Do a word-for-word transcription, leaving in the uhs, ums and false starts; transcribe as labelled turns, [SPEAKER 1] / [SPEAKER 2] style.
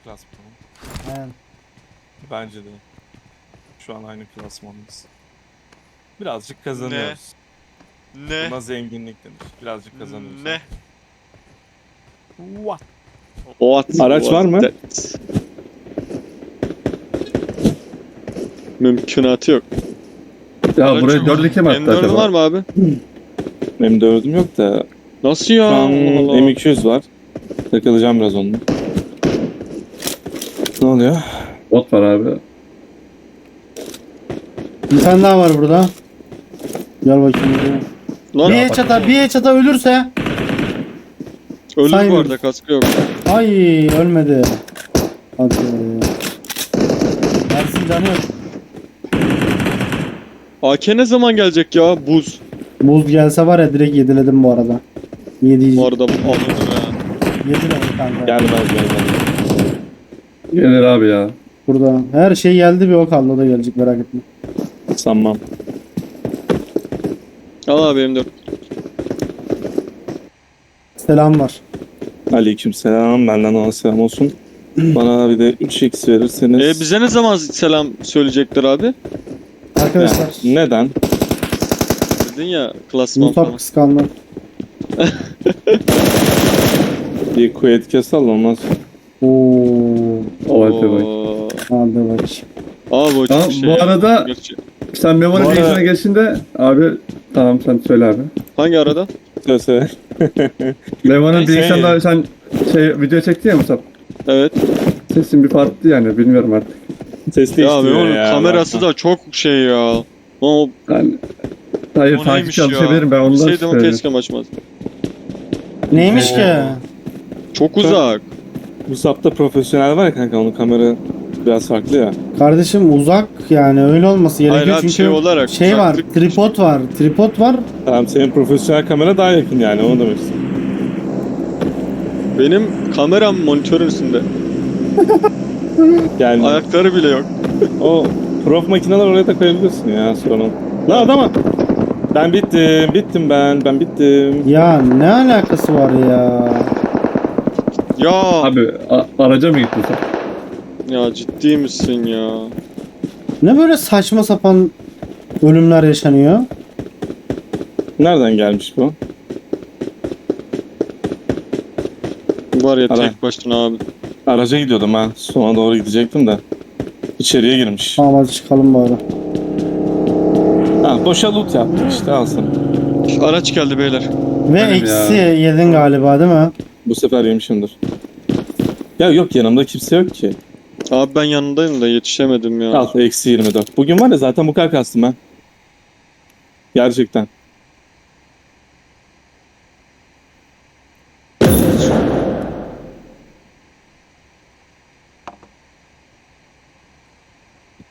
[SPEAKER 1] klasmanı.
[SPEAKER 2] Aynen.
[SPEAKER 1] Bence de. Şu an aynı klasmandayız. Birazcık kazanıyoruz.
[SPEAKER 3] Ne?
[SPEAKER 1] Buna zenginlik denir. Birazcık kazanıyoruz.
[SPEAKER 3] Ne?
[SPEAKER 1] What?
[SPEAKER 4] What
[SPEAKER 1] Araç
[SPEAKER 4] was
[SPEAKER 1] var mı?
[SPEAKER 4] that? Mümkünatı yok.
[SPEAKER 5] Ya
[SPEAKER 3] Araç
[SPEAKER 5] buraya
[SPEAKER 3] yok.
[SPEAKER 5] dört iki mi attı
[SPEAKER 4] M dört'ün
[SPEAKER 5] acaba?
[SPEAKER 4] var mı abi?
[SPEAKER 1] M dördüm yok da
[SPEAKER 4] Nasıl ya?
[SPEAKER 1] şu an
[SPEAKER 4] Allah Allah.
[SPEAKER 1] M iki yüz var. Takılacağım biraz onunla. Ne oluyor?
[SPEAKER 5] Bot var abi.
[SPEAKER 2] Bir tane daha var burada. Gel bakayım buraya.
[SPEAKER 4] Lan
[SPEAKER 2] Bir çata, bir çata ölürse.
[SPEAKER 4] ölür bu
[SPEAKER 2] saymıyoruz.
[SPEAKER 4] arada, kaskı yok.
[SPEAKER 2] Ay ölmedi. Hadi. Ersin canı yok.
[SPEAKER 4] A K ne zaman gelecek ya? Buz.
[SPEAKER 2] Buz gelse var ya direkt yediledim bu arada. Yedi.
[SPEAKER 4] Bu arada alınır ha.
[SPEAKER 2] Yediledim kanka.
[SPEAKER 1] Gelmez gelmez.
[SPEAKER 5] Gelir abi ya.
[SPEAKER 2] Burada. Her şey geldi, bir o kaldı, o da gelecek, merak etme.
[SPEAKER 1] Sanmam.
[SPEAKER 4] Al abi M dört.
[SPEAKER 2] Selam var.
[SPEAKER 1] Aleykümselam. Benden ona selam olsun. Bana bir de üç x verirseniz.
[SPEAKER 4] E bize ne zaman selam söyleyecekler abi?
[SPEAKER 2] Arkadaşlar.
[SPEAKER 1] Yani neden?
[SPEAKER 4] Dedin ya klasman
[SPEAKER 2] Musab
[SPEAKER 4] falan.
[SPEAKER 2] kıskandı.
[SPEAKER 1] Bir kuvvet kesal olmaz.
[SPEAKER 2] Oo.
[SPEAKER 5] O hadi bak.
[SPEAKER 4] Oo.
[SPEAKER 2] Hadi bak.
[SPEAKER 4] Abi o
[SPEAKER 5] Tamam,
[SPEAKER 4] çok şey
[SPEAKER 5] bu
[SPEAKER 4] ya.
[SPEAKER 5] arada-
[SPEAKER 4] Gerçi-
[SPEAKER 5] Sen Memo'nun
[SPEAKER 1] Bu arada-
[SPEAKER 5] bilgisayarına geçtiğinde abi tamam sen söyle abi.
[SPEAKER 4] Hangi arada?
[SPEAKER 1] Söyle söyle.
[SPEAKER 5] Memo'nun
[SPEAKER 1] Neyse.
[SPEAKER 5] bilgisayarında sen şey video çekti ya Musab.
[SPEAKER 4] Evet.
[SPEAKER 5] Sesin bir farklı yani bilmiyorum artık.
[SPEAKER 1] Ses
[SPEAKER 4] Ya
[SPEAKER 1] değiştiriyor
[SPEAKER 4] Memo'nun
[SPEAKER 1] ya.
[SPEAKER 4] kamerası
[SPEAKER 1] bakma.
[SPEAKER 4] da çok şey ya. O
[SPEAKER 5] Yani, hayır
[SPEAKER 3] O neymiş
[SPEAKER 5] takipçi
[SPEAKER 3] ya?
[SPEAKER 5] alışabilirim ben ondan
[SPEAKER 4] bilseydim o
[SPEAKER 5] söylüyorum.
[SPEAKER 4] keşke açmaz.
[SPEAKER 2] Neymiş ki?
[SPEAKER 4] Çok uzak.
[SPEAKER 1] Bu sapta profesyonel var ya kanka, onun kamera biraz farklı ya.
[SPEAKER 2] Kardeşim uzak, yani öyle olması gerekiyor
[SPEAKER 4] Hayır abi,
[SPEAKER 2] çünkü
[SPEAKER 4] şey olarak,
[SPEAKER 2] şey var,
[SPEAKER 4] uzaklık-
[SPEAKER 2] tripod var, tripod var.
[SPEAKER 1] Tamam, senin profesyonel kamera daha yakın yani, onu demek istedim.
[SPEAKER 4] Benim kameram monitörün üstünde.
[SPEAKER 1] Yani
[SPEAKER 4] Ayakları bile yok.
[SPEAKER 1] o prof makineler oraya da koyabilirsin ya sorun. Lan adama. Ben bittim, bittim ben, ben bittim.
[SPEAKER 2] Ya ne alakası var ya?
[SPEAKER 4] Ya
[SPEAKER 5] Abi a- araca mı gittin sen?
[SPEAKER 4] ya ciddi misin ya?
[SPEAKER 2] Ne böyle saçma sapan ölümler yaşanıyor?
[SPEAKER 1] Nereden gelmiş bu?
[SPEAKER 4] Var ya
[SPEAKER 1] Ara.
[SPEAKER 4] tek başına abi.
[SPEAKER 1] Araca gidiyordum ha. Sona doğru gidecektim de. İçeriye girmiş.
[SPEAKER 2] Tamam hadi çıkalım bari.
[SPEAKER 1] Ha, boşa loot yaptık işte, al sana.
[SPEAKER 4] Araç geldi beyler.
[SPEAKER 2] Ve
[SPEAKER 5] Benim
[SPEAKER 2] eksi
[SPEAKER 5] ya.
[SPEAKER 2] yedin galiba değil mi?
[SPEAKER 1] Bu sefer yemişimdir. Ya yok, yanımda kimse yok ki.
[SPEAKER 4] Abi ben yanındayım da yetişemedim ya.
[SPEAKER 1] Al, eksi yirmi dört. Bugün var ya zaten bu kadar kastım ben. Gerçekten.